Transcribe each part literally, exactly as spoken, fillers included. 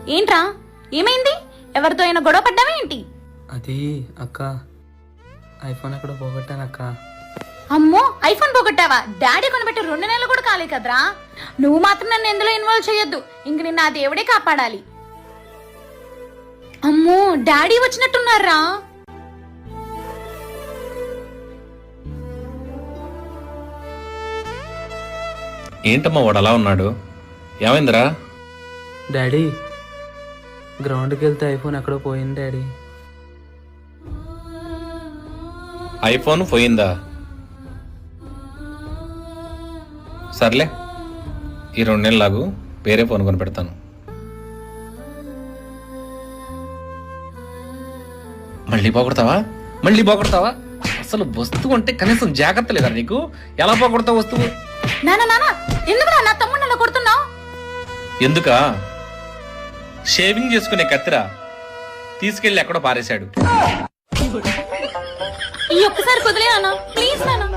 ఏంట్రా ఏమైంది? ఎవరితో అయినా గొడవ పడ్డావా ఏంటి? అది అక్క, ఐఫోన్ ఎక్కడ పోగొట్టాను అక్క. అమ్మో, ఐఫోన్ పోగొట్టావా? డాడీ కొనిపెట్టి రెండు నెలలు కూడా కాలే కదరా. నువ్వు మాత్రం నన్ను ఎందులో ఇన్వాల్వ్ చేయొద్దు. ఇంక నిన్న ఆ దేవుడే కాపాడాలి. అమ్మో, డాడీ వచ్చినట్టున్నారా? ఏంటమ్మా వాడు అలా ఉన్నాడు? ఏమైందిరా? డాడీ, గ్రౌండ్కి వెళ్తే ఐఫోన్ ఎక్కడో పోయింది డాడీ. ఐఫోన్ పోయిందా? సర్లే, ఈ రెండు నెలలు లాగు, వేరే ఫోన్ కొని పెడతాను. మళ్ళీ పోగొడతావా? మళ్ళీ పోగొడతావా? అసలు వస్తువు అంటే కనీసం జాగ్రత్త లేదా నీకు? ఎలా పోగొడతావు వస్తువు? నానా నానా, ఎందుకురా నా తమ్ముడు అలా కొడుతున్నావు? ఎందుకా? షేవింగ్ చేసుకునే కత్తిరా, తీసుకెళ్లి ఎక్కడో పారేశాడు. ఈ ఒక్కసారి కుదిలే నాన్న, ప్లీజ్ నాన్న.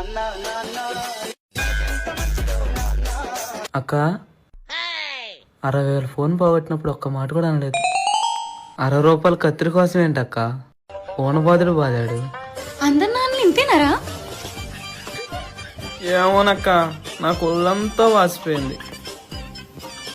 అక్క, అరవై వేల ఫోన్ పోగొట్టినప్పుడు ఒక్క మాట కూడా అనలేదు. అరవై రూపాయలు కత్తిరి కోసం ఏంటక్క? ఫోన్ బాధుడు బాధాడు. అందరు నాన్నలు ఇంతేనారా? ఏమోనక్క, నాకు ఒళ్ళంతా వాసిపోయింది.